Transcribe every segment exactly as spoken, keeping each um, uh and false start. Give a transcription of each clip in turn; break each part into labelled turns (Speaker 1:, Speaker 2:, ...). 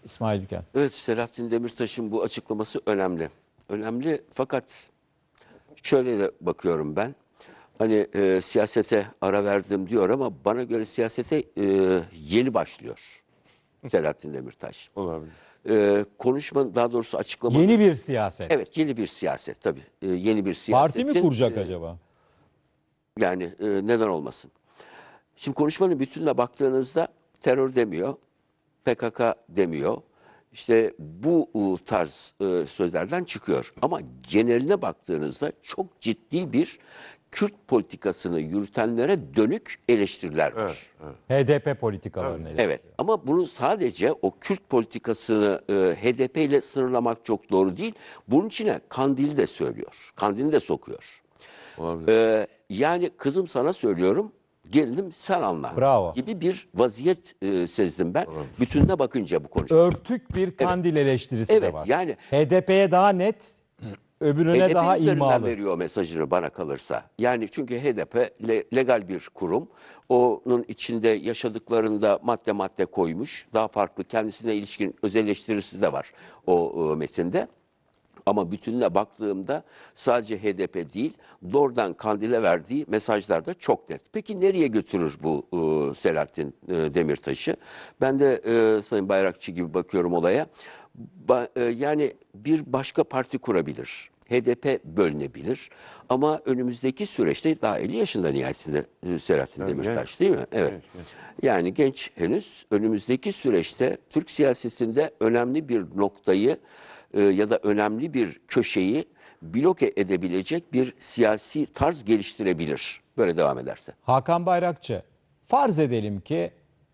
Speaker 1: İsmail Büken.
Speaker 2: Evet, Selahattin Demirtaş'ın bu açıklaması önemli. Önemli fakat şöyle de bakıyorum ben. Hani e, siyasete ara verdim diyor ama bana göre siyasete e, yeni başlıyor Selahattin Demirtaş.
Speaker 3: Olabilir.
Speaker 2: E, konuşma, daha doğrusu açıklama.
Speaker 1: Yeni bir siyaset.
Speaker 2: Evet, yeni bir siyaset tabii. E, yeni bir
Speaker 1: Parti
Speaker 2: siyaset.
Speaker 1: mi kuracak acaba?
Speaker 2: Yani e, neden olmasın? Şimdi konuşmanın bütününe baktığınızda terör demiyor, P K K demiyor. İşte bu e, tarz e, sözlerden çıkıyor. Ama geneline baktığınızda çok ciddi bir Kürt politikasını yürütenlere dönük eleştiriler var.
Speaker 3: Evet, evet.
Speaker 1: H D P politikalarını eleştiriyor.
Speaker 2: Evet, ama bunu sadece o Kürt politikasını e, H D P ile sınırlamak çok doğru değil. Bunun içine Kandil'i de söylüyor. Kandil'i de sokuyor.
Speaker 3: Olabilir.
Speaker 2: Ee, yani kızım sana söylüyorum, gelinim sen anla
Speaker 1: Bravo.
Speaker 2: gibi bir vaziyet e, sezdim ben. Bütününe bakınca bu konuşma.
Speaker 1: Örtük bir Kandil eleştirisi
Speaker 2: Evet,
Speaker 1: de var.
Speaker 2: yani-
Speaker 1: H D P'ye daha net, öbürüne
Speaker 2: H D P
Speaker 1: daha
Speaker 2: üzerinden
Speaker 1: imalı.
Speaker 2: veriyor mesajını bana kalırsa. Yani çünkü H D P le- legal bir kurum. Onun içinde yaşadıklarında madde madde koymuş. Daha farklı kendisine ilişkin özel eleştirisi de var o e, metinde. Ama bütününe baktığımda sadece H D P değil, doğrudan Kandil'e verdiği mesajlar da çok net. Peki nereye götürür bu e, Selahattin e, Demirtaş'ı? Ben de e, Sayın Bayrakçı gibi bakıyorum olaya. Ba- e, yani bir başka parti kurabilir. H D P bölünebilir. Ama önümüzdeki süreçte daha elli yaşında nihayetinde e, Selahattin
Speaker 3: Evet,
Speaker 2: Demirtaş
Speaker 3: genç.
Speaker 2: değil mi? Evet.
Speaker 3: Genç, genç.
Speaker 2: Yani genç henüz. Önümüzdeki süreçte Türk siyasetinde önemli bir noktayı e, ya da önemli bir köşeyi bloke edebilecek bir siyasi tarz geliştirebilir. Böyle devam ederse.
Speaker 1: Hakan Bayrakçı, farz edelim ki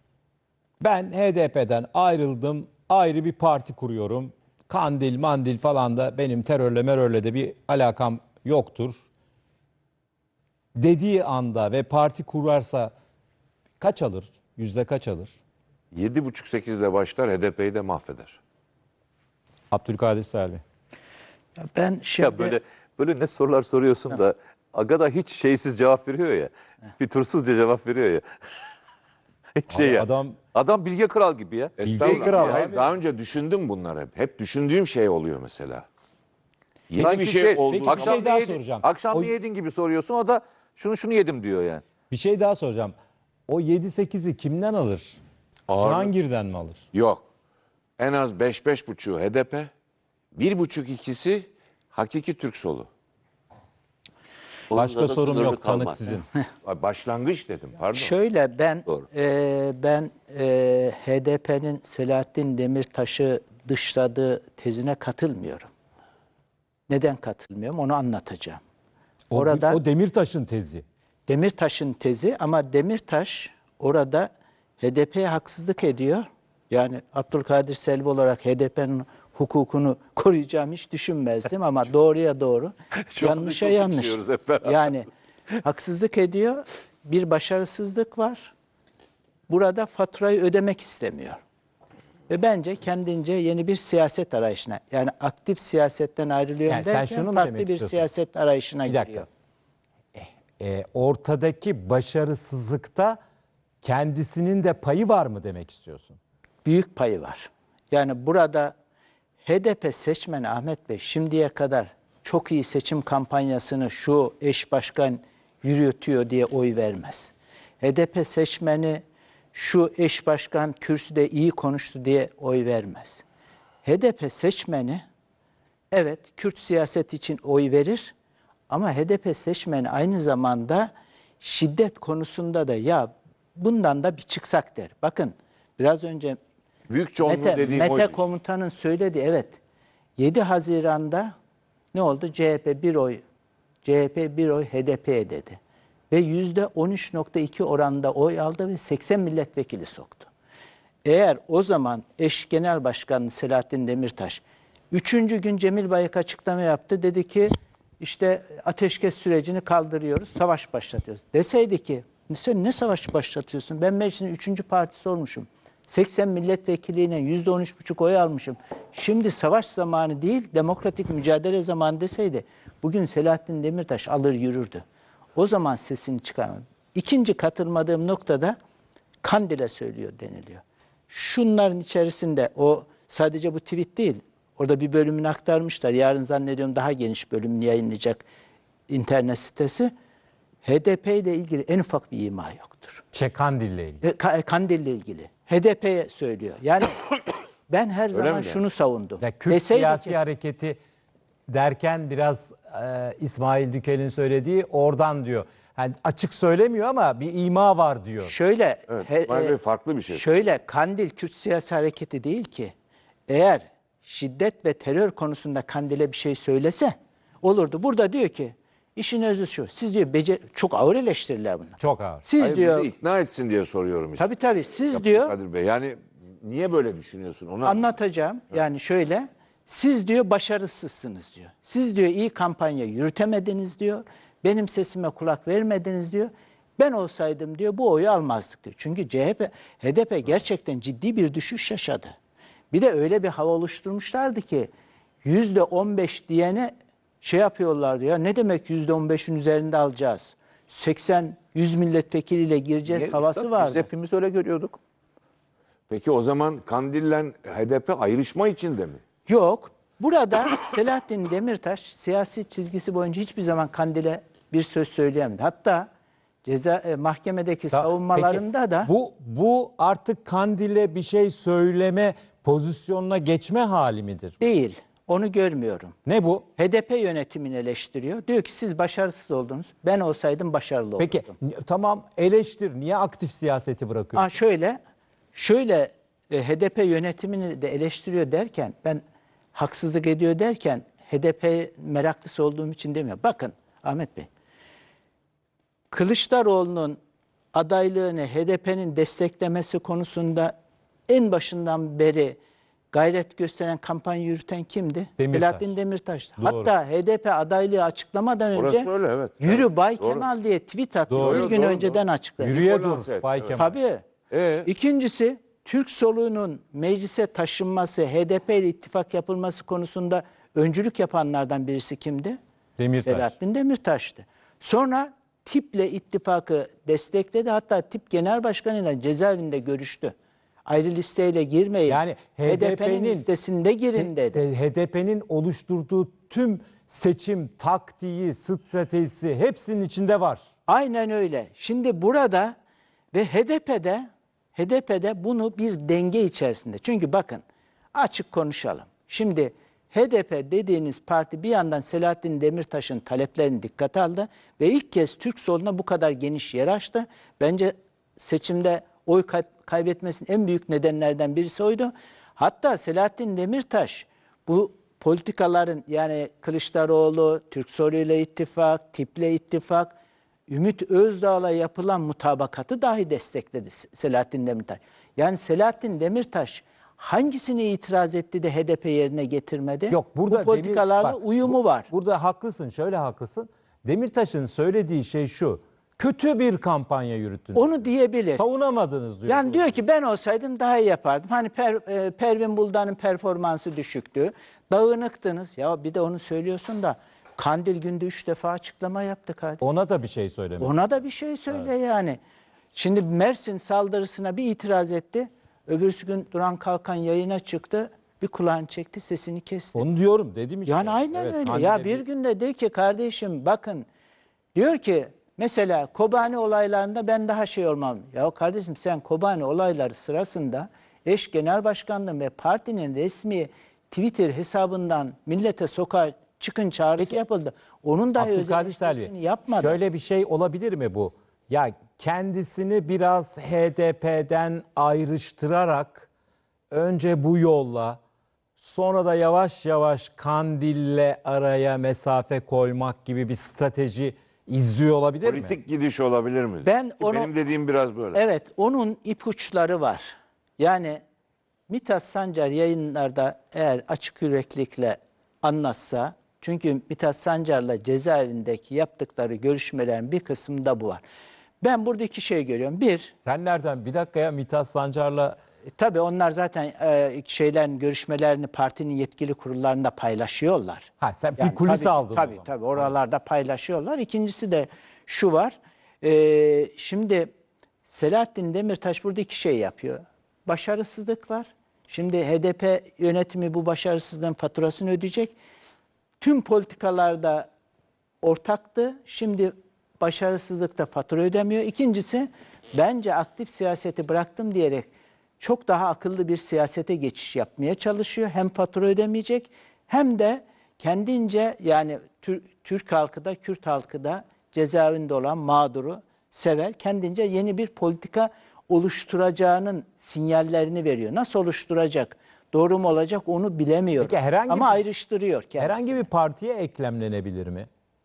Speaker 1: ben H D P'den ayrıldım, ayrı bir parti kuruyorum. Kandil, mandil falan da benim terörle merörle de bir alakam yoktur. Dediği anda ve parti kurarsa kaç alır? Yüzde kaç alır?
Speaker 3: Yedi buçuk sekizle başlar, H D P'yi de mahveder.
Speaker 1: Abdülkadir Selvi.
Speaker 4: Ya ben şimdi
Speaker 5: Ya böyle böyle ne sorular soruyorsun da aga da hiç şeysiz cevap veriyor ya. Fütursuzca cevap veriyor ya. Hiç şey
Speaker 1: Abi
Speaker 5: ya.
Speaker 1: adam-
Speaker 5: Adam Bilge Kral gibi ya.
Speaker 3: Estağfurullah.
Speaker 1: Kral
Speaker 3: Hayır,
Speaker 1: abi.
Speaker 3: daha önce düşündüm bunları hep. Hep düşündüğüm şey oluyor mesela. Yeni
Speaker 5: Sanki
Speaker 3: bir şey, oldu.
Speaker 1: Peki bir
Speaker 5: akşam
Speaker 1: şey
Speaker 5: ne
Speaker 1: daha
Speaker 5: yedin-
Speaker 1: soracağım.
Speaker 5: Akşam
Speaker 1: O-
Speaker 5: ne yedin gibi soruyorsun, o da şunu şunu yedim diyor yani.
Speaker 1: Bir şey daha soracağım. O yedi sekizi kimden alır?
Speaker 3: Ağırlık.
Speaker 1: Cihangir'den mi alır?
Speaker 3: Yok. En az beş beş buçuğu H D P, bir buçuk ikisi hakiki Türk solu.
Speaker 2: Onunla
Speaker 1: Başka
Speaker 2: da
Speaker 1: sorum
Speaker 2: sınırlı
Speaker 1: yok, tanık
Speaker 2: kalmaz.
Speaker 1: sizin.
Speaker 3: Başlangıç dedim, pardon.
Speaker 4: şöyle ben
Speaker 2: Doğru.
Speaker 4: e, ben e, H D P'nin Selahattin Demirtaş'ı dışladığı tezine katılmıyorum. Neden katılmıyorum onu anlatacağım.
Speaker 1: O,
Speaker 4: Orada
Speaker 1: o Demirtaş'ın tezi.
Speaker 4: Demirtaş'ın tezi ama Demirtaş orada H D P'ye haksızlık ediyor. Yani Abdülkadir Selvi olarak H D P'nin hukukunu koruyacağım hiç düşünmezdim ama doğruya doğru,
Speaker 5: Şu anda
Speaker 4: yanlışa
Speaker 5: çok
Speaker 4: yanlış.
Speaker 5: içiyoruz hep beraber.
Speaker 4: Yani haksızlık ediyor, bir başarısızlık var. Burada faturayı ödemek istemiyor. Ve bence kendince yeni bir siyaset arayışına, yani aktif siyasetten ayrılıyorum
Speaker 1: Yani sen
Speaker 4: derken
Speaker 1: şunu mu
Speaker 4: farklı
Speaker 1: demek
Speaker 4: bir
Speaker 1: istiyorsun?
Speaker 4: siyaset arayışına
Speaker 1: Bir dakika.
Speaker 4: giriyor.
Speaker 1: E, ortadaki başarısızlıkta kendisinin de payı var mı demek istiyorsun?
Speaker 4: Büyük payı var. Yani burada H D P seçmeni Ahmet Bey şimdiye kadar çok iyi seçim kampanyasını şu eş başkan yürütüyor diye oy vermez. H D P seçmeni şu eş başkan kürsüde iyi konuştu diye oy vermez. H D P seçmeni evet Kürt siyaset için oy verir ama H D P seçmeni aynı zamanda şiddet konusunda da ya bundan da bir çıksak der. Bakın biraz önce
Speaker 3: Büyük çoğunluğu
Speaker 4: Mete,
Speaker 3: dediğim
Speaker 4: Mete
Speaker 3: oydu.
Speaker 4: komutanın söyledi evet. yedi Haziran'da ne oldu? C H P bir oy C H P bir oy H D P'ye dedi. Ve yüzde on üç nokta iki oranında oy aldı ve seksen milletvekili soktu. Eğer o zaman eş genel başkanı Selahattin Demirtaş üçüncü gün Cemil Bayık açıklama yaptı. Dedi ki işte ateşkes sürecini kaldırıyoruz, savaş başlatıyoruz. Deseydi ki sen ne savaş başlatıyorsun? Ben meclisin üçüncü partisi olmuşum. seksen milletvekiliyle yüzde on üç buçuk oy almışım. Şimdi savaş zamanı değil, demokratik mücadele zamanı deseydi bugün Selahattin Demirtaş alır yürürdü. O zaman sesini çıkarmadı. İkinci katılmadığım noktada Kandil'e söylüyor deniliyor. Şunların içerisinde o sadece bu tweet değil. Orada bir bölümünü aktarmışlar. Yarın zannediyorum daha geniş bölümünü yayınlayacak internet sitesi. H D P ile ilgili en ufak bir ima yoktur.
Speaker 1: Şey, Kandil'le ilgili.
Speaker 4: E, Ka- Kandil'le ilgili. H D P'ye söylüyor. Yani ben her zaman
Speaker 3: mi?
Speaker 4: şunu savundum.
Speaker 1: Ya Kürt
Speaker 4: Deseydi
Speaker 1: siyasi
Speaker 4: ki-
Speaker 1: hareketi derken biraz e, İsmail Dükel'in söylediği oradan diyor. Yani açık söylemiyor ama bir ima var diyor.
Speaker 4: Şöyle,
Speaker 3: Evet,
Speaker 4: he-
Speaker 3: İsmail
Speaker 4: e,
Speaker 3: Bey farklı bir şey.
Speaker 4: Şöyle, Kandil Kürt siyasi hareketi değil ki. Eğer şiddet ve terör konusunda Kandil'e bir şey söylese olurdu. Burada diyor ki, işin özü şu. Siz diyor becer çok ağır eleştiriler bunlar.
Speaker 1: Çok ağır.
Speaker 4: Siz
Speaker 3: Hayır,
Speaker 4: diyor,
Speaker 3: bizi ikna etsin diye soruyorum işte.
Speaker 4: tabii tabii siz diyor,
Speaker 3: Kadir Bey, yani niye böyle düşünüyorsun onu
Speaker 4: anlatacağım. Yani şöyle, siz diyor başarısızsınız diyor. Siz diyor iyi kampanya yürütemediniz diyor. Benim sesime kulak vermediniz diyor. Ben olsaydım diyor bu oyu almazdık diyor. Çünkü C H P, H D P gerçekten ciddi bir düşüş yaşadı. Bir de öyle bir hava oluşturmuşlardı ki yüzde on beş diyene şey yapıyorlardı ya, ne demek yüzde on beşin üzerinde alacağız? seksen yüz milletvekiliyle gireceğiz
Speaker 5: Niye
Speaker 4: havası
Speaker 5: üstad?
Speaker 4: vardı.
Speaker 5: Biz hepimiz öyle görüyorduk.
Speaker 3: Peki o zaman Kandil'le H D P ayrışma içinde mi?
Speaker 4: Yok. Burada Selahattin Demirtaş siyasi çizgisi boyunca hiçbir zaman Kandil'e bir söz söyleyemedi. Hatta ceza e, mahkemedeki
Speaker 1: Ta-
Speaker 4: savunmalarında
Speaker 1: peki,
Speaker 4: da
Speaker 1: bu bu artık Kandil'e bir şey söyleme pozisyonuna geçme hali midir?
Speaker 4: değil. Onu görmüyorum.
Speaker 1: Ne bu?
Speaker 4: H D P yönetimini eleştiriyor. Diyor ki siz başarısız oldunuz. Ben olsaydım başarılı olurdum.
Speaker 1: Peki n- tamam, eleştir. Niye aktif siyaseti bırakıyor?
Speaker 4: Ha şöyle, şöyle e, H D P yönetimini de eleştiriyor derken, ben haksızlık ediyor derken H D P meraklısı olduğum için demiyorum. Bakın Ahmet Bey, Kılıçdaroğlu'nun adaylığını H D P'nin desteklemesi konusunda en başından beri gayret gösteren, kampanya yürüten kimdi?
Speaker 1: Demirtaş.
Speaker 4: Selahattin Demirtaş'tı.
Speaker 1: Doğru.
Speaker 4: Hatta H D P adaylığı açıklamadan
Speaker 3: Orası
Speaker 4: önce
Speaker 3: öyle, evet.
Speaker 4: yürü
Speaker 3: Evet,
Speaker 4: Bay
Speaker 3: doğru.
Speaker 4: Kemal diye tweet attı.
Speaker 1: Doğru,
Speaker 4: Bir gün
Speaker 3: doğru,
Speaker 4: önceden
Speaker 3: doğru.
Speaker 4: açıkladı.
Speaker 1: Yürüye
Speaker 3: Nikola
Speaker 1: dur
Speaker 3: Set,
Speaker 1: Bay
Speaker 3: evet.
Speaker 1: Kemal.
Speaker 4: Tabii.
Speaker 3: Ee?
Speaker 4: İkincisi, Türk soluğunun meclise taşınması, H D P ile ittifak yapılması konusunda öncülük yapanlardan birisi kimdi?
Speaker 1: Demirtaş.
Speaker 4: Selahattin Demirtaş'tı. Sonra TİP'le ittifakı destekledi. Hatta TİP Genel Başkanı'yla cezaevinde görüştü. Ayrı listeyle girmeyin.
Speaker 1: Yani
Speaker 4: H D P'nin
Speaker 1: H D P'nin
Speaker 4: listesinde girin dedi.
Speaker 1: H D P'nin oluşturduğu tüm seçim taktiği, stratejisi hepsinin içinde var.
Speaker 4: Aynen öyle. Şimdi burada ve H D P'de H D P'de bunu bir denge içerisinde. Çünkü bakın açık konuşalım. Şimdi H D P dediğiniz parti bir yandan Selahattin Demirtaş'ın taleplerini dikkate aldı ve ilk kez Türk soluna bu kadar geniş yer açtı. Bence seçimde oy kay- kaybetmesinin en büyük nedenlerden birisi oydu. Hatta Selahattin Demirtaş bu politikaların, yani Kılıçdaroğlu, Türk soluyla ittifak, TİP'le ittifak, Ümit Özdağ'la yapılan mutabakatı dahi destekledi Selahattin Demirtaş. Yani Selahattin Demirtaş hangisini itiraz etti de H D P yerine getirmedi?
Speaker 1: Yok, burada
Speaker 4: bu politikalarla
Speaker 1: Demir- bak,
Speaker 4: uyumu
Speaker 1: bu-
Speaker 4: var.
Speaker 1: Burada haklısın, şöyle haklısın. Demirtaş'ın söylediği şey şu: kötü bir kampanya yürüttünüz.
Speaker 4: Onu diyebilir.
Speaker 1: Savunamadınız diyor.
Speaker 4: Yani diyor ki ben olsaydım daha iyi yapardım. Hani Per- e, Pervin Buldan'ın performansı düşüktü. Dağınıktınız. Ya bir de onu söylüyorsun da Kandil günde üç defa açıklama yaptı kardeşim.
Speaker 1: Ona da bir şey söylemiş.
Speaker 4: Ona da bir şey söyle yani. Şimdi Mersin saldırısına bir itiraz etti. Öbürsü gün Duran Kalkan yayına çıktı. Bir kulağını çekti, sesini kesti.
Speaker 1: Onu diyorum, dedim işte.
Speaker 4: Yani aynen
Speaker 1: Evet,
Speaker 4: öyle.
Speaker 1: Kandil'e
Speaker 4: Ya bir günde de ki kardeşim bakın, diyor ki mesela Kobani olaylarında ben daha şey olmam. Ya kardeşim sen Kobani olayları sırasında eş genel başkanlığın ve partinin resmi Twitter hesabından millete sokağa çıkın çağrısı yapıldı. Onun dahi öz
Speaker 1: Abdülkadir
Speaker 4: eleştirisini
Speaker 1: Selvi,
Speaker 4: yapmadı.
Speaker 1: şöyle bir şey olabilir mi bu? Ya kendisini biraz H D P'den ayrıştırarak önce bu yolla, sonra da yavaş yavaş Kandil'le araya mesafe koymak gibi bir strateji izliyor olabilir mi?
Speaker 3: Politik gidiş olabilir mi?
Speaker 4: Ben
Speaker 3: Ki
Speaker 4: onu-
Speaker 3: Benim dediğim biraz böyle.
Speaker 4: Evet, onun ipuçları var. Yani Mithat Sancar yayınlarda eğer açık yüreklilikle anlatsa, çünkü Mithat Sancar'la cezaevindeki yaptıkları görüşmelerin bir kısmında bu var. Ben burada iki şey görüyorum. Bir,
Speaker 1: Sen nereden? Bir dakika ya, Mithat Sancar'la
Speaker 4: e, tabii onlar zaten e, şeylerin görüşmelerini partinin yetkili kurullarında paylaşıyorlar.
Speaker 1: ha sen
Speaker 4: Yani
Speaker 1: bir kulis
Speaker 4: tabii,
Speaker 1: aldın o
Speaker 4: Tabii
Speaker 1: zaman.
Speaker 4: tabii oralarda paylaşıyorlar. İkincisi de şu var. Ee, şimdi Selahattin Demirtaş burada iki şey yapıyor. Başarısızlık var. Şimdi H D P yönetimi bu başarısızlığın faturasını ödeyecek. Tüm politikalarda ortaktı. Şimdi başarısızlıkta fatura ödemiyor. İkincisi, bence aktif siyaseti bıraktım diyerek çok daha akıllı bir siyasete geçiş yapmaya çalışıyor. Hem fatura ödemeyecek hem de kendince, yani Tür- Türk halkı da Kürt halkı da cezaevinde olan mağduru sever. Kendince yeni bir politika oluşturacağının sinyallerini veriyor. Nasıl oluşturacak? Doğru mu olacak onu bilemiyorum.
Speaker 1: Peki herhangi
Speaker 4: Ama
Speaker 1: bir-
Speaker 4: ayrıştırıyor kendisini.
Speaker 1: Herhangi bir partiye eklemlenebilir mi?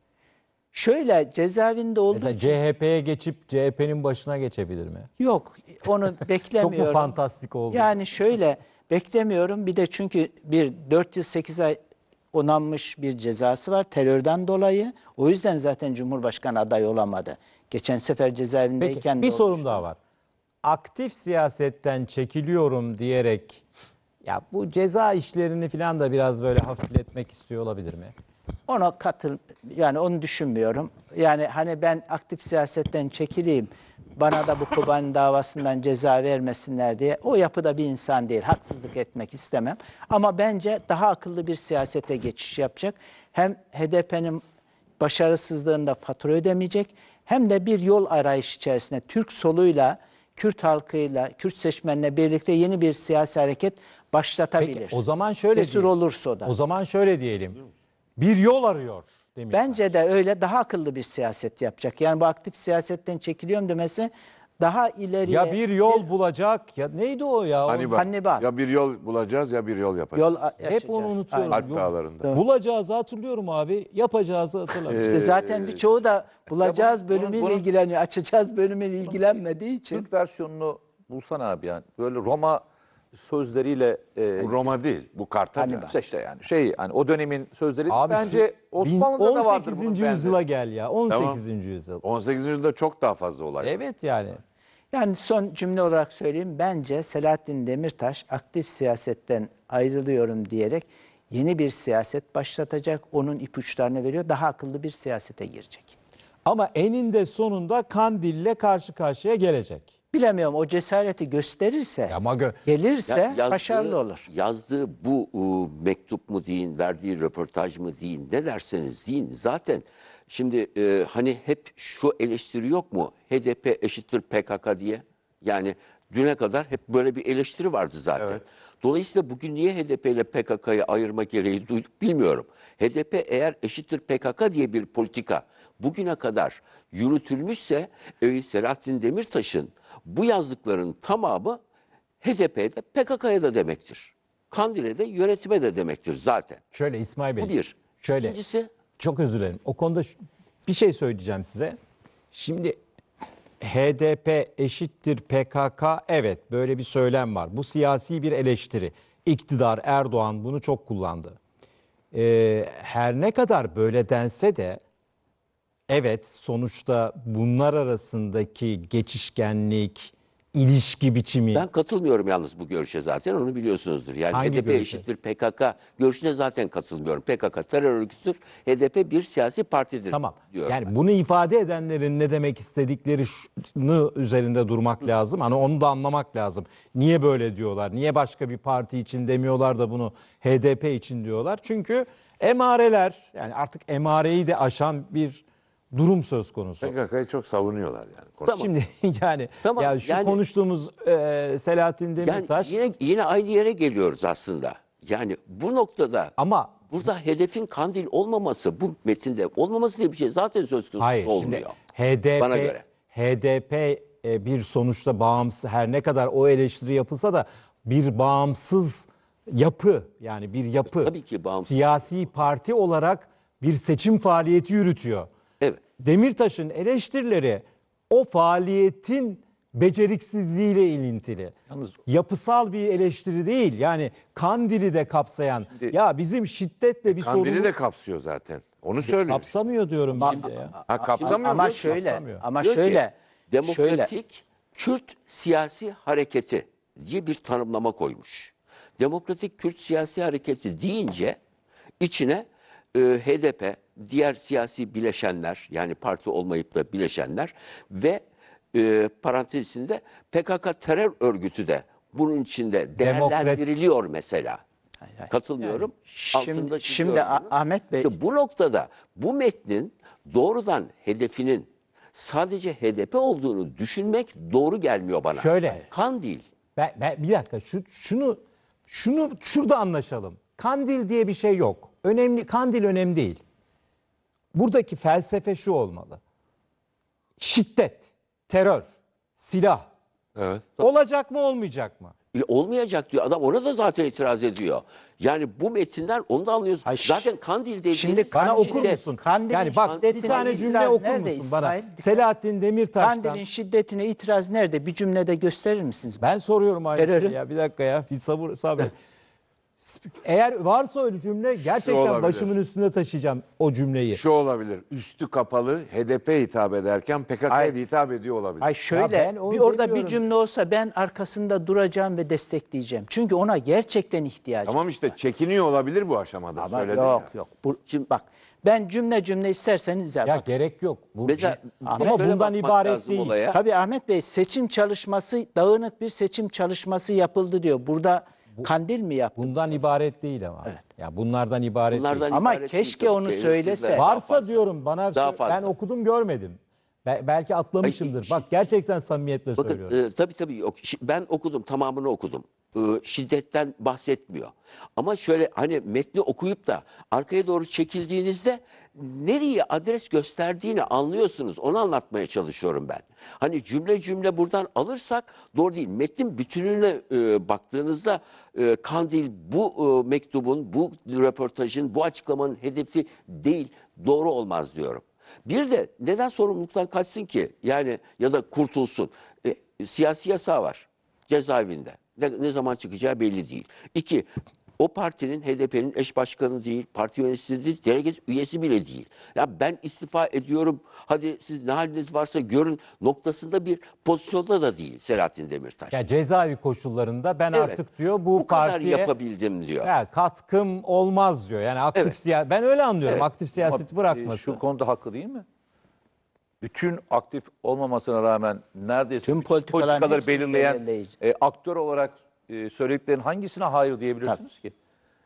Speaker 4: Şöyle, cezaevinde olduğu
Speaker 1: Mesela
Speaker 4: için
Speaker 1: C H P'ye geçip C H P'nin başına geçebilir mi?
Speaker 4: yok, onu beklemiyorum.
Speaker 1: Çok mu fantastik oldu?
Speaker 4: Yani şöyle beklemiyorum. Bir de çünkü bir dört yıl sekiz ay onanmış bir cezası var terörden dolayı. O yüzden zaten Cumhurbaşkanı adayı olamadı. Geçen sefer cezaevindeyken
Speaker 1: Peki
Speaker 4: de
Speaker 1: bir sorum
Speaker 4: olmuştu.
Speaker 1: daha var. Aktif siyasetten çekiliyorum diyerek ya bu ceza işlerini falan da biraz böyle hafifletmek istiyor olabilir mi?
Speaker 4: Ona katıl, yani onu düşünmüyorum. Yani hani ben aktif siyasetten çekileyim, bana da bu Kobani davasından ceza vermesinler diye, o yapıda bir insan değil. Haksızlık etmek istemem. Ama bence daha akıllı bir siyasete geçiş yapacak. Hem H D P'nin başarısızlığında fatura ödemeyecek, hem de bir yol arayış içerisinde Türk soluyla, Kürt halkıyla, Kürt seçmenle birlikte yeni bir siyasi hareket başlatabilir.
Speaker 1: Peki o zaman şöyle
Speaker 4: Cesur
Speaker 1: diyelim.
Speaker 4: olursa o da.
Speaker 1: O zaman şöyle diyelim. Bir yol arıyor Demirtaş.
Speaker 4: Bence de öyle, daha akıllı bir siyaset yapacak. Yani bu aktif siyasetten çekiliyorum demesi daha ileriye
Speaker 1: Ya bir yol bulacak ya neydi o ya? O-
Speaker 3: Hannibal.
Speaker 4: Hannibal.
Speaker 3: Ya bir yol bulacağız ya bir yol yapacağız.
Speaker 4: yol a-
Speaker 1: Hep
Speaker 4: açacağız.
Speaker 1: onu unutuyorum.
Speaker 4: Aynen.
Speaker 3: Alp
Speaker 1: Yol-
Speaker 3: dağlarında.
Speaker 1: Bulacağızı hatırlıyorum abi. Yapacağızı hatırlamıyorum.
Speaker 4: İşte zaten birçoğu da bulacağız
Speaker 5: bunun- bunun-
Speaker 4: bölümüyle
Speaker 5: bunun-
Speaker 4: ilgileniyor. Açacağız bölümüyle ilgilenmediği için.
Speaker 5: Türk versiyonunu bulsana abi yani. Böyle Roma sözleriyle e,
Speaker 3: Bu Roma değil, bu Kartaca.
Speaker 4: Hannibal.
Speaker 5: işte, işte yani şey hani o dönemin sözleri
Speaker 1: Abi
Speaker 5: bence
Speaker 1: şu
Speaker 5: Osmanlı'da da vardır
Speaker 1: on
Speaker 5: bunun
Speaker 1: sekizinci yüzyıla
Speaker 5: benzeri.
Speaker 1: gel ya. on sekizinci yüzyıl.
Speaker 3: on sekizinci yüzyılda çok daha fazla olay var.
Speaker 1: Evet yani.
Speaker 4: Yani son cümle olarak söyleyeyim. Bence Selahattin Demirtaş aktif siyasetten ayrılıyorum diyerek yeni bir siyaset başlatacak. Onun ipuçlarını veriyor. Daha akıllı bir siyasete girecek.
Speaker 1: Ama eninde sonunda Kandil'le karşı karşıya gelecek.
Speaker 4: Bilemiyorum, o cesareti gösterirse,
Speaker 1: Ama gö-
Speaker 4: gelirse
Speaker 2: Ya yazdığı-
Speaker 4: başarılı olur.
Speaker 2: Yazdığı bu ıı, mektup mu deyin, verdiği röportaj mı deyin, ne derseniz deyin. Zaten şimdi e, hani hep şu eleştiri yok mu? H D P eşittir P K K diye. Yani düne kadar hep böyle bir eleştiri vardı zaten. Dolayısıyla bugün niye H D P ile P K K'yı ayırma gereği duyduk bilmiyorum. H D P eğer eşittir P K K diye bir politika bugüne kadar yürütülmüşse e, Selahattin Demirtaş'ın bu yazdıklarının tamamı H D P'de P K K'ya da demektir. Kandil'e de yönetime de demektir zaten.
Speaker 1: şöyle İsmail Bey.
Speaker 2: Bu bir.
Speaker 1: Şöyle.
Speaker 2: İkincisi
Speaker 1: Çok özür dilerim. O konuda şu- bir şey söyleyeceğim size. Şimdi H D P eşittir P K K, evet böyle bir söylem var. Bu siyasi bir eleştiri. İktidar, Erdoğan bunu çok kullandı. Ee, her ne kadar böyle dense de evet sonuçta bunlar arasındaki geçişkenlik, ilişki biçimi
Speaker 2: ben katılmıyorum yalnız bu görüşe zaten onu biliyorsunuzdur. Yani
Speaker 1: Hangi
Speaker 2: H D P
Speaker 1: görüşe?
Speaker 2: eşittir P K K görüşüne zaten katılmıyorum. P K K terör örgütüdür. H D P bir siyasi partidir
Speaker 1: tamam.
Speaker 2: diyorum.
Speaker 1: Yani
Speaker 2: ben.
Speaker 1: bunu ifade edenlerin ne demek istediklerini üzerinde durmak lazım. Hani onu da anlamak lazım. Niye böyle diyorlar? Niye başka bir parti için demiyorlar da bunu H D P için diyorlar? Çünkü emareler, yani artık emareyi de aşan bir durum söz konusu.
Speaker 3: P K K'yı çok savunuyorlar yani.
Speaker 1: Şimdi yani
Speaker 2: Tamam,
Speaker 1: ya şu
Speaker 2: yani-
Speaker 1: konuştuğumuz e, Selahattin
Speaker 2: Yani
Speaker 1: Demirtaş
Speaker 2: yine yine aynı yere geliyoruz aslında. Yani bu noktada
Speaker 1: ama
Speaker 2: burada hedefin Kandil olmaması, bu metinde olmaması diye bir şey zaten söz konusu
Speaker 1: hayır
Speaker 2: olmuyor.
Speaker 1: şimdi H D P
Speaker 2: Bana göre.
Speaker 1: H D P e, bir sonuçta bağımsız, her ne kadar o eleştiri yapılsa da bir bağımsız yapı, yani bir yapı.
Speaker 2: Tabii ki bağımsız.
Speaker 1: Siyasi parti olarak bir seçim faaliyeti yürütüyor.
Speaker 2: Evet.
Speaker 1: Demirtaş'ın eleştirileri o faaliyetin beceriksizliğiyle ilintili.
Speaker 5: Yalnız-
Speaker 1: Yapısal bir eleştiri değil. Yani Kandil'i de kapsayan. ya bizim şiddetle bir
Speaker 3: Kandil'i
Speaker 1: sorunu
Speaker 3: de kapsıyor zaten. Onu söylüyor.
Speaker 1: kapsamıyor diyorum şimdi ya.
Speaker 3: Ha, kapsamıyor
Speaker 4: Ama
Speaker 3: mu?
Speaker 4: şöyle,
Speaker 1: kapsamıyor.
Speaker 4: ama
Speaker 2: Diyor ki,
Speaker 4: şöyle,
Speaker 2: Demokratik
Speaker 4: şöyle.
Speaker 2: Kürt Siyasi Hareketi diye bir tanımlama koymuş. Demokratik Kürt Siyasi Hareketi deyince içine e, H D P, diğer siyasi bileşenler yani parti olmayıp da bileşenler ve e, parantez içinde P K K terör örgütü de bunun içinde
Speaker 1: Demokrat-
Speaker 2: değerlendiriliyor mesela.
Speaker 4: Hayır, hayır.
Speaker 2: Katılmıyorum.
Speaker 4: Şimdi-
Speaker 2: Altında
Speaker 4: şimdi
Speaker 2: çiziyorum
Speaker 4: Ah-
Speaker 2: bunu.
Speaker 4: Ahmet Bey-
Speaker 2: İşte bu noktada bu metnin doğrudan hedefinin sadece H D P olduğunu düşünmek doğru gelmiyor bana.
Speaker 1: Şöyle.
Speaker 2: Kandil.
Speaker 1: Ben, ben bir dakika şu şunu şunu şurada anlaşalım. Kandil diye bir şey yok. Önemli kandil önemli değil. Buradaki felsefe şu olmalı. Şiddet, terör, silah
Speaker 3: Evet.
Speaker 1: olacak mı olmayacak mı?
Speaker 2: E, olmayacak diyor. Adam ona da zaten itiraz ediyor. Yani bu metinden onu da anlıyoruz.
Speaker 4: Ay, şş.
Speaker 2: Zaten Kandil dediğimiz
Speaker 4: Şimdi
Speaker 1: Bana
Speaker 4: Kandil-
Speaker 1: okur musun?
Speaker 4: Kandil'in
Speaker 1: Yani bak bir
Speaker 4: şiddetine
Speaker 1: tane
Speaker 4: itiraz
Speaker 1: cümle okur
Speaker 4: nerede
Speaker 1: musun bana?
Speaker 4: İsmail?
Speaker 1: Selahattin Demirtaş'tan.
Speaker 4: Kandil'in şiddetine itiraz nerede? Bir cümlede gösterir misiniz?
Speaker 1: Ben soruyorum aynı
Speaker 4: Terörü.
Speaker 1: şeyi ya. Bir dakika ya. Bir sabır sabır. Eğer varsa öyle cümle gerçekten
Speaker 3: olabilir.
Speaker 1: başımın üstünde taşıyacağım o cümleyi.
Speaker 3: Şu olabilir. Üstü kapalı H D P hitap ederken P K K'ya
Speaker 4: Ay-
Speaker 3: hitap ediyor olabilir.
Speaker 4: Ay şöyle
Speaker 1: ben onu
Speaker 4: bir orada bir
Speaker 1: demiyorum.
Speaker 4: cümle olsa ben arkasında duracağım ve destekleyeceğim. Çünkü ona gerçekten ihtiyacım
Speaker 3: Tamam işte çekiniyor olabilir bu aşamada.
Speaker 4: Ama
Speaker 3: Söyledin
Speaker 4: yok
Speaker 3: ya.
Speaker 4: yok. Bu, şimdi bak ben cümle cümle isterseniz ya,
Speaker 1: Ya
Speaker 4: bak.
Speaker 1: gerek yok. Bu,
Speaker 2: Mesela
Speaker 1: ama
Speaker 2: şöyle
Speaker 1: bundan
Speaker 2: bakmak
Speaker 1: ibaret
Speaker 2: lazım
Speaker 1: değil.
Speaker 2: olaya.
Speaker 4: Tabii Ahmet Bey seçim çalışması dağınık bir seçim çalışması yapıldı diyor. Burada Kandil mi yaptı?
Speaker 1: Bundan ibaret değil ama. Ya bunlardan ibaret
Speaker 2: Bunlardan
Speaker 1: değil.
Speaker 4: Ama
Speaker 2: ibaret
Speaker 4: keşke
Speaker 2: değil tabii
Speaker 4: onu
Speaker 2: ki.
Speaker 4: söylese.
Speaker 2: Eleştiriler daha
Speaker 1: Varsa
Speaker 2: fazla.
Speaker 1: diyorum bana
Speaker 2: Daha
Speaker 1: sö-
Speaker 2: fazla.
Speaker 1: ben okudum görmedim. Be- belki atlamışımdır.
Speaker 2: Ay,
Speaker 1: Bak gerçekten samimiyetle
Speaker 2: Bakın
Speaker 1: söylüyorum.
Speaker 2: e, tabii tabii yok. Şi- Ben okudum, tamamını okudum. E, şiddetten bahsetmiyor. Ama şöyle hani metni okuyup da arkaya doğru çekildiğinizde nereye adres gösterdiğini anlıyorsunuz. Onu anlatmaya çalışıyorum ben. Hani cümle cümle buradan alırsak doğru değil. Metnin bütününe e, baktığınızda e, Kandil bu e, mektubun, bu röportajın, bu açıklamanın hedefi değil, doğru olmaz diyorum. Bir de neden sorumluluktan kaçsın ki? Yani ya da kurtulsun. E, siyasi yasağı var cezaevinde. Ne, ne zaman çıkacağı belli değil. İki, o partinin H D P'nin eş başkanı değil, parti yöneticisi değil, deleges üyesi bile değil. Ya ben istifa ediyorum, hadi siz ne haliniz varsa görün noktasında bir pozisyonda da değil Selahattin Demirtaş.
Speaker 1: Ya cezaevi koşullarında ben
Speaker 2: Evet,
Speaker 1: artık diyor bu,
Speaker 2: bu kadar
Speaker 1: partiye
Speaker 2: yapabildim diyor.
Speaker 1: ya, katkım olmaz diyor. Yani aktif
Speaker 2: Evet.
Speaker 1: siyaset ben öyle anlıyorum.
Speaker 2: Evet.
Speaker 1: Aktif siyaseti
Speaker 5: Ama,
Speaker 1: bırakması.
Speaker 5: e, Şu konuda haklı değil mi? Bütün aktif olmamasına rağmen neredeyse
Speaker 4: Tüm
Speaker 5: bütün
Speaker 4: politikaların
Speaker 5: politikaları
Speaker 4: hepsini
Speaker 5: belirleyen
Speaker 4: belirleyici.
Speaker 5: e, aktör olarak e, söylediklerin hangisine hayır diyebilirsiniz ki?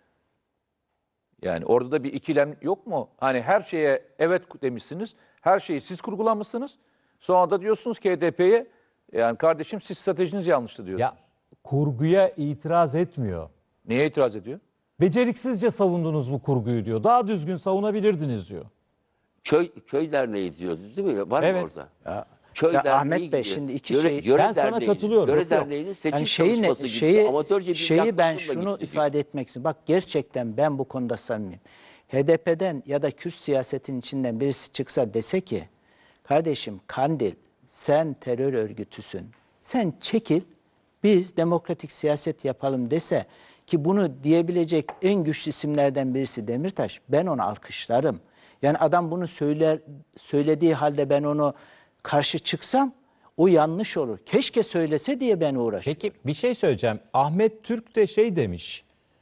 Speaker 5: Yani orada da bir ikilem yok mu? Hani her şeye evet demişsiniz, her şeyi siz kurgulamışsınız. Sonra da diyorsunuz ki H D P'ye yani kardeşim siz stratejiniz yanlıştı diyor.
Speaker 1: Ya kurguya itiraz etmiyor.
Speaker 5: Neye itiraz ediyor?
Speaker 1: Beceriksizce savundunuz bu kurguyu diyor. Daha düzgün savunabilirdiniz diyor.
Speaker 2: Köy köy derneği diyordu değil mi? Var
Speaker 1: Evet.
Speaker 2: mı orada? Köy
Speaker 4: Ya
Speaker 2: derneği
Speaker 4: Ahmet Bey,
Speaker 2: gibi.
Speaker 4: şimdi iki
Speaker 2: Yöre-
Speaker 4: şey-
Speaker 2: yöre
Speaker 1: Ben sana
Speaker 2: derneğinin-
Speaker 1: katılıyorum.
Speaker 2: Yöre
Speaker 1: Yok, yok.
Speaker 2: derneğinin seçim
Speaker 4: Yani şeyi, ne,
Speaker 2: çalışması gibi.
Speaker 4: şeyi,
Speaker 2: Amatörce bir
Speaker 4: şeyi ben
Speaker 2: yaklaşımla
Speaker 4: şunu
Speaker 2: gitti
Speaker 4: ifade
Speaker 2: diyor.
Speaker 4: etmek istiyorum. Bak gerçekten ben bu konuda samimiyim. H D P'den ya da Kürt siyasetin içinden birisi çıksa dese ki kardeşim Kandil sen terör örgütüsün. Sen çekil biz demokratik siyaset yapalım dese ki bunu diyebilecek en güçlü isimlerden birisi Demirtaş. Ben onu alkışlarım. Yani adam bunu söyler söylediği halde ben onu karşı çıksam o yanlış olur. Keşke söylese diye ben uğraşıyorum.
Speaker 1: Peki bir şey söyleyeceğim. Ahmet Türk de şey demiş.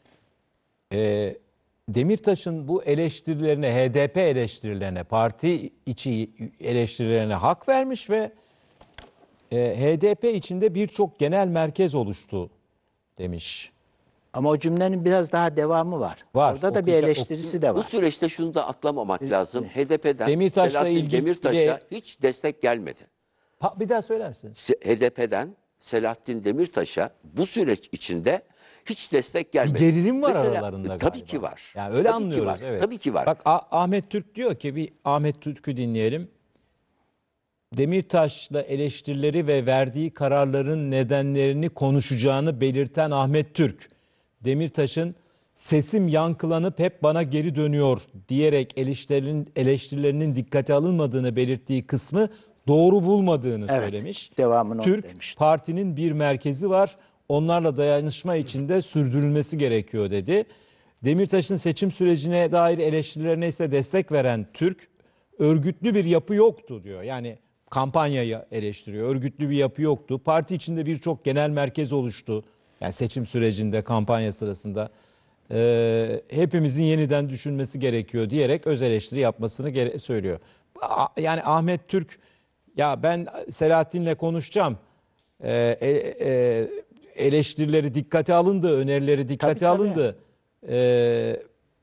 Speaker 1: E, Demirtaş'ın bu eleştirilerine, H D P eleştirilerine, parti içi eleştirilerine hak vermiş ve e, H D P içinde birçok genel merkez oluştu demiş.
Speaker 4: Ama o cümlenin biraz daha devamı var.
Speaker 1: Var.
Speaker 4: Orada da bir
Speaker 1: Okuyacak-
Speaker 4: eleştirisi de
Speaker 2: Bu
Speaker 4: var.
Speaker 2: süreçte şunu da atlamamak lazım. H D P'den
Speaker 1: Demirtaş'la
Speaker 2: Selahattin
Speaker 1: ilgili-
Speaker 2: Demirtaş'a hiç destek gelmedi.
Speaker 1: Pa- bir daha söyler misiniz?
Speaker 2: Se- H D P'den Selahattin Demirtaş'a bu süreç içinde hiç destek gelmedi.
Speaker 1: Gerilim var
Speaker 2: Mesela,
Speaker 1: aralarında
Speaker 2: e,
Speaker 1: galiba.
Speaker 2: Tabii ki var.
Speaker 1: Yani öyle
Speaker 2: Tabii ki
Speaker 1: anlıyoruz.
Speaker 2: var.
Speaker 1: Evet.
Speaker 2: Tabii ki var.
Speaker 1: Bak A- Ahmet Türk diyor ki bir Ahmet Türk'ü dinleyelim. Demirtaş'la eleştirileri ve verdiği kararların nedenlerini konuşacağını belirten Ahmet Türk, Demirtaş'ın sesim yankılanıp hep bana geri dönüyor diyerek eleştirilerinin, eleştirilerinin dikkate alınmadığını belirttiği kısmı doğru bulmadığını
Speaker 4: Evet,
Speaker 1: söylemiş.
Speaker 4: devamını onu
Speaker 1: Türk,
Speaker 4: demişti.
Speaker 1: partinin bir merkezi var. Onlarla dayanışma içinde sürdürülmesi gerekiyor dedi. Demirtaş'ın seçim sürecine dair eleştirilerine ise destek veren Türk, örgütlü bir yapı yoktu diyor. Yani kampanyayı eleştiriyor. Örgütlü bir yapı yoktu. Parti içinde birçok genel merkez oluştu. Yani seçim sürecinde, kampanya sırasında. Ee, hepimizin yeniden düşünmesi gerekiyor diyerek öz eleştiri yapmasını gere- söylüyor. A- Yani Ahmet Türk, ya ben Selahattin'le konuşacağım. Ee, e, e, eleştirileri dikkate alındı, önerileri dikkate
Speaker 4: Tabii, tabii.
Speaker 1: alındı. Ee,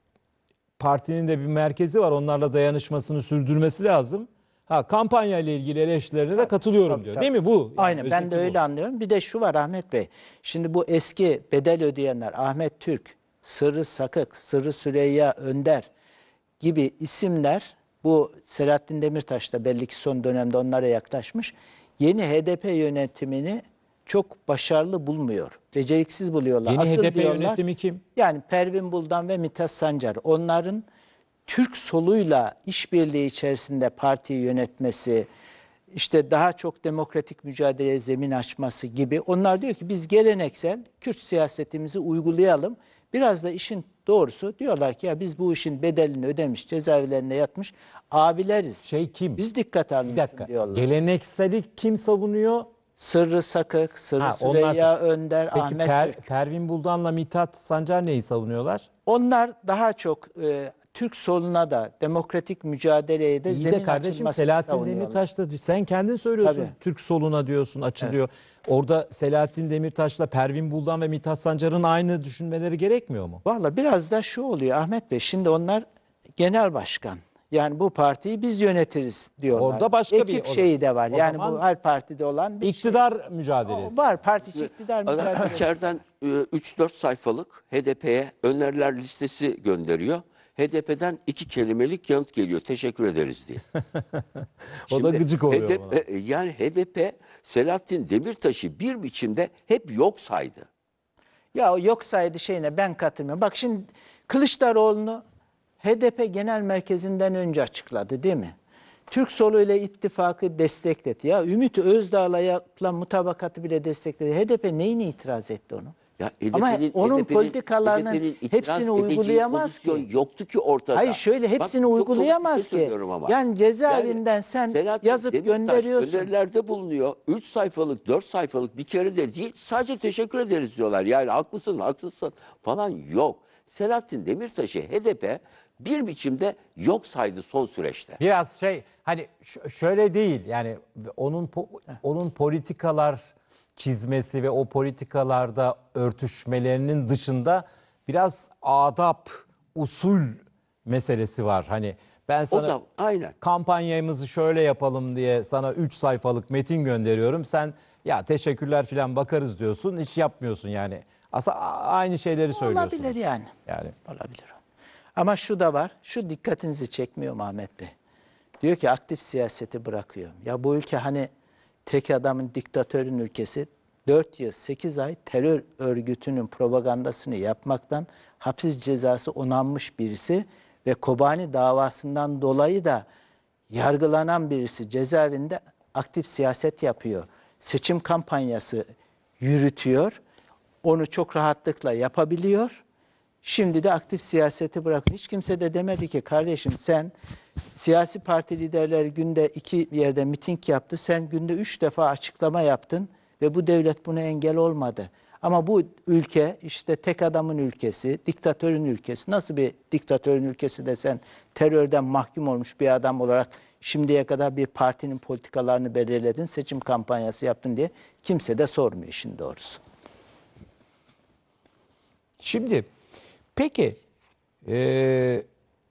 Speaker 1: partinin de bir merkezi var. Onlarla dayanışmasını sürdürmesi lazım. Ha, kampanya ile ilgili eleştirilerine de katılıyorum
Speaker 4: tabii,
Speaker 1: diyor.
Speaker 4: tabii.
Speaker 1: Değil mi bu? Yani
Speaker 4: Aynen, ben
Speaker 1: özeti
Speaker 4: de
Speaker 1: bu.
Speaker 4: öyle anlıyorum. Bir de şu var Ahmet Bey. Şimdi bu eski bedel ödeyenler, Ahmet Türk, Sırrı Sakık, Sırrı Süreyya Önder gibi isimler, bu Selahattin Demirtaş da belli ki son dönemde onlara yaklaşmış. Yeni H D P yönetimini çok başarılı bulmuyor. Beceriksiz buluyorlar.
Speaker 1: Yeni
Speaker 4: Asıl
Speaker 1: H D P
Speaker 4: diyorlar,
Speaker 1: yönetimi kim?
Speaker 4: yani Pervin Buldan ve Mithat Sancar. Onların Türk soluyla işbirliği içerisinde partiyi yönetmesi, işte daha çok demokratik mücadeleye zemin açması gibi. Onlar diyor ki biz geleneksel Kürt siyasetimizi uygulayalım. Biraz da işin doğrusu diyorlar ki ya biz bu işin bedelini ödemiş, cezaevlerine yatmış abileriz.
Speaker 1: Şey kim?
Speaker 4: Biz dikkat
Speaker 1: Bir
Speaker 4: almışız
Speaker 1: dakika.
Speaker 4: diyorlar.
Speaker 1: Gelenekseli kim savunuyor?
Speaker 4: Sırrı Sakık, Sırrı
Speaker 1: Ha, onlar-
Speaker 4: Süreyya Önder,
Speaker 1: Peki
Speaker 4: Ahmet
Speaker 1: Per-
Speaker 4: Türk.
Speaker 1: Pervin Buldan'la Mithat Sancar neyi savunuyorlar?
Speaker 4: Onlar daha çok e, Türk soluna da demokratik mücadeleye de
Speaker 1: İyi
Speaker 4: zemin
Speaker 1: de kardeşim
Speaker 4: açılmasını
Speaker 1: Selahattin
Speaker 4: savunuyorlar.
Speaker 1: Demirtaş da sen kendin söylüyorsun.
Speaker 4: Tabii.
Speaker 1: Türk soluna diyorsun açılıyor. Orada Selahattin Demirtaş'la Pervin Buldan ve Mithat Sancar'ın aynı düşünmeleri gerekmiyor mu?
Speaker 4: Valla biraz da şu oluyor Ahmet Bey. Şimdi onlar genel başkan. Yani bu partiyi biz yönetiriz diyorlar.
Speaker 1: Orada başka
Speaker 4: Ekip
Speaker 1: bir- o-
Speaker 4: şeyi de var.
Speaker 1: o
Speaker 4: Yani
Speaker 1: zaman
Speaker 4: bu her partide olan bir
Speaker 1: İktidar mücadelesi.
Speaker 4: şey. Var. Parti içi iktidar
Speaker 2: Adam
Speaker 4: mücadelesi.
Speaker 2: içeriden üç dört sayfalık H D P'ye öneriler listesi gönderiyor. H D P'den iki kelimelik yanıt geliyor. Teşekkür ederiz diye.
Speaker 1: O da gıcık oluyor
Speaker 2: H D P,
Speaker 1: buna.
Speaker 2: yani H D P Selahattin Demirtaş'ı bir biçimde hep yok saydı.
Speaker 4: Ya o yok saydı şeyine ben katılmıyorum. Bak şimdi Kılıçdaroğlu'nu H D P Genel Merkezi'nden önce açıkladı değil mi? Türk solu ile ittifakı destekledi. Ya Ümit Özdağ'la yapılan mutabakatı bile destekledi. H D P neyine itiraz etti onu?
Speaker 2: Ya H D P'nin,
Speaker 4: Ama onun
Speaker 2: H D P'nin
Speaker 4: politikalarının
Speaker 2: H D P'nin itiraz
Speaker 4: hepsini
Speaker 2: edeceği
Speaker 4: uygulayamaz
Speaker 2: pozisyon
Speaker 4: ki.
Speaker 2: yoktu ki ortada.
Speaker 4: Hayır şöyle
Speaker 2: Bak,
Speaker 4: hepsini
Speaker 2: çok somut bir
Speaker 4: uygulayamaz
Speaker 2: şey
Speaker 4: ki.
Speaker 2: söylüyorum ama.
Speaker 4: Yani cezaevinden sen
Speaker 2: Selahattin
Speaker 4: yazıp
Speaker 2: Demirtaş
Speaker 4: gönderiyorsun.
Speaker 2: önerilerde bulunuyor. üç sayfalık, dört sayfalık bir kere de değil. Sadece teşekkür ederiz diyorlar. Yani haklısın, haksızsın falan yok. Selahattin Demirtaş'ı H D P bir biçimde yok saydı son süreçte.
Speaker 1: Biraz şey hani ş- şöyle değil yani onun po- onun politikalar çizmesi ve o politikalarda örtüşmelerinin dışında biraz adap, usul meselesi var. Hani ben
Speaker 2: O
Speaker 1: sana
Speaker 2: da aynen.
Speaker 1: kampanyamızı şöyle yapalım diye sana üç sayfalık metin gönderiyorum. Sen ya teşekkürler filan bakarız diyorsun. Hiç yapmıyorsun yani. Aslında a- aynı şeyleri söylüyorsunuz.
Speaker 4: Olabilir yani.
Speaker 1: Yani
Speaker 4: Olabilir. Ama şu da var. Şu dikkatinizi çekmiyor mu Ahmet Bey? Diyor ki aktif siyaseti bırakıyor. Ya bu ülke hani tek adamın diktatörün ülkesi dört yıl sekiz ay terör örgütünün propagandasını yapmaktan hapis cezası onanmış birisi ve Kobani davasından dolayı da yargılanan birisi cezaevinde aktif siyaset yapıyor. Seçim kampanyası yürütüyor. Onu çok rahatlıkla yapabiliyor. Şimdi de aktif siyaseti bırakın. Hiç kimse de demedi ki kardeşim sen siyasi parti liderleri günde iki yerde miting yaptı. Sen günde üç defa açıklama yaptın ve bu devlet buna engel olmadı. Ama bu ülke işte tek adamın ülkesi, diktatörün ülkesi. Nasıl bir diktatörün ülkesi de sen terörden mahkum olmuş bir adam olarak şimdiye kadar bir partinin politikalarını belirledin, seçim kampanyası yaptın diye kimse de sormuyor işin doğrusu.
Speaker 1: şimdi peki eee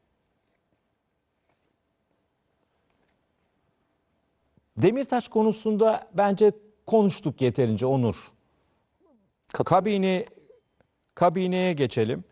Speaker 1: Demirtaş konusunda bence konuştuk yeterince Onur. Kabine kabineye geçelim.